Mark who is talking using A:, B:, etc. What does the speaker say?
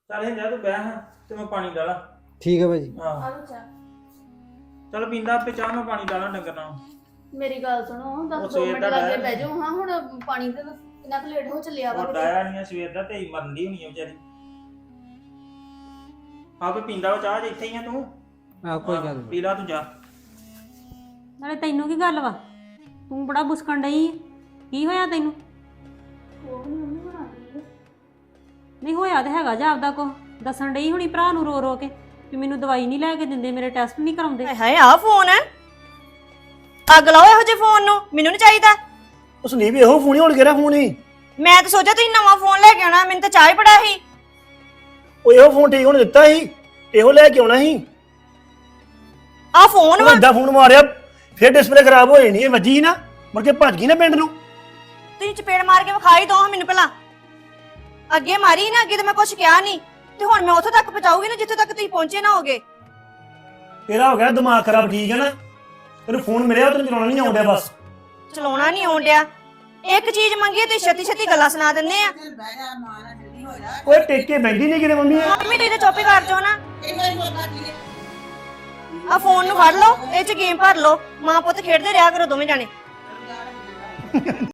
A: ਚੱਲ ਇਹ ਜਾ ਤੂੰ ਬਹਿ ਹਾਂ ਤੇ ਮੈਂ ਪਾਣੀ ਡਾਲਾਂ।
B: ਠੀਕ ਹੈ ਭਾਜੀ।
A: ਆਹ
C: ਆਲੋ ਚਾ
A: ਚੱਲ ਪੀਂਦਾ ਆਪੇ ਚਾਹ ਮੈਂ ਪਾਣੀ ਡਾਲਾਂ ਡੰਗਰ ਨਾਲ।
C: ਮੇਰੀ ਗੱਲ ਸੁਣੋ
A: ਉਹ
C: 10
A: ਸਵੇਰ
C: ਮਿੰਟ
A: ਦਾ
C: ਲੱਗੇ
A: ਡਾਇਆ
C: ਬਹਿ ਜਾਓ ਹਾਂ ਹੁਣ ਪਾਣੀ ਦੇ ਕਿੰਨਾ ਕੁ ਲੇਟ ਹੋ ਚੱਲਿਆ ਵਾ
A: ਉਹ ਡਾਇਆ ਨਹੀਂ ਸਵੇਰ ਦਾ ਤੇ ਮਰਨ ਦੀ ਹੋਣੀ ਆ ਵਿਚਾਰੀ। ਆਪੇ ਪੀਂਦਾ ਵਾ ਚਾਹ ਜੇ ਇੱਥੇ ਹੀ ਆ ਤੂੰ।
B: ਆਹ ਕੋਈ ਗੱਲ ਨਹੀਂ।
A: ਪੀ ਲਾ ਤੂੰ ਜਾ।
D: ਨਾਲੇ ਤੈਨੂੰ ਕੀ ਗੱਲ ਵਾ? ਤੂੰ ਬੜਾ ਬੁਸਕਣ ਡਈ ਆਂ। ਕੀ ਹੋਇਆ ਤੈਨੂੰ?
C: ਉਹ ਨਹੀਂ ਉਹਨੇ ਬਣਾ ਲਈ
D: ਨਹੀਂ ਹੋਇਆ ਤੇ ਹੈਗਾ ਜਾ ਆਪਦਾ ਕੋ ਦੱਸਣ ਡਈ ਹੁਣੀ ਭਰਾ ਨੂੰ ਰੋ ਰੋ ਕੇ ਵੀ ਮੈਨੂੰ ਦਵਾਈ ਨਹੀਂ ਲੈ ਕੇ ਦਿੰਦੇ, ਮੇਰੇ ਟੈਸਟ ਨਹੀਂ ਕਰਾਉਂਦੇ।
E: ਹਾਏ ਹਾਏ ਆਹ ਫੋਨ ਹੈ, ਅੱਗ ਲਾਓ ਇਹੋ ਜਿਹੇ ਫੋਨ ਨੂੰ, ਮੈਨੂੰ ਨਹੀਂ ਚਾਹੀਦਾ।
F: ਉਸ ਨਹੀਂ ਵੀ ਇਹੋ ਫੋਨ ਹੀ ਹੋਣ ਕਿਹੜਾ ਫੋਨ ਹੀ।
E: ਮੈਂ ਤਾਂ ਸੋਚਿਆ ਤੁਸੀਂ ਨਵਾਂ ਫੋਨ ਲੈ ਕੇ ਆਉਣਾ, ਮੈਨੂੰ ਤਾਂ ਚਾਹ ਹੀ ਬੜਾ ਸੀ।
F: ਉਹ ਇਹੋ ਫੋਨ ਠੀਕ ਹੋਣ ਦਿੱਤਾ ਸੀ, ਇਹੋ ਲੈ ਕੇ ਆਉਣਾ ਸੀ।
E: ਆਹ ਫੋਨ ਵਾ,
F: ਵੱਡਾ ਫੋਨ ਮਾਰਿਆ ਫਿਰ ਡਿਸਪਲੇ ਖਰਾਬ ਹੋ ਜਾਣੀ, ਇਹ ਵੱਜੀ ਸੀ ਨਾ ਮੁੜ ਕੇ ਭੱਜ ਗਈ ਨਾ ਪਿੰਡ ਨੂੰ।
E: ਤੁਸੀਂ ਚਪੇੜ ਮਾਰ ਕੇ ਵਿਖਾਈ ਦੋ ਮੈਨੂੰ ਪਹਿਲਾਂ। ਅੱਗੇ ਮਾਰੀ ਨਾ, ਅੱਗੇ ਤਾਂ ਮੈਂ ਕੁਝ ਕਿਹਾ ਨਹੀਂ, ਤੇ ਹੁਣ ਮੈਂ ਉੱਥੋਂ ਤੱਕ ਪਹੁੰਚਾਊਗੀ ਨਾ ਜਿੱਥੋਂ ਤੱਕ ਤੁਸੀਂ ਪਹੁੰਚੇ ਨਾ ਹੋਗੇ।
F: ਤੇਰਾ ਹੋ ਗਿਆ ਦਿਮਾਗ ਖਰਾਬ, ਠੀਕ ਹੈ ਨਾ। ਤੈਨੂੰ ਫੋਨ ਮਿਲਿਆ ਤੈਨੂੰ ਚਲਾਉਣਾ ਨਹੀਂ ਆਉਂਦਾ, ਬਸ
E: ਚਲਾਉਣਾ ਨਹੀਂ ਆਉਣ ਡਿਆ। ਇੱਕ ਚੀਜ਼ ਮੰਗੀ ਤੇ ਛੇਤੀ ਛੇਤੀ ਗੱਲਾਂ ਸੁਣਾ ਦਿੰਦੇ ਆ।
F: ਓਏ ਟੇਕੇ ਬੈਂਦੀ ਨਹੀਂ ਕਿਤੇ ਮੰਮੀ।
E: ਮੰਮੀ ਤੁਸੀਂ ਤਾਂ ਚੁੱਪ ਹੀ ਕਰ ਜਾਓ ਨਾ। ਆ ਫੋਨ ਨੂੰ ਫੜ ਲਓ, ਇਹ ਚ ਗੇਮ ਭਰ ਲਓ, ਮਾਂ ਪੁੱਤ ਖੇਡਦੇ ਰਿਹਾ ਕਰੋ ਦੋਵੇਂ ਜਾਣੇ।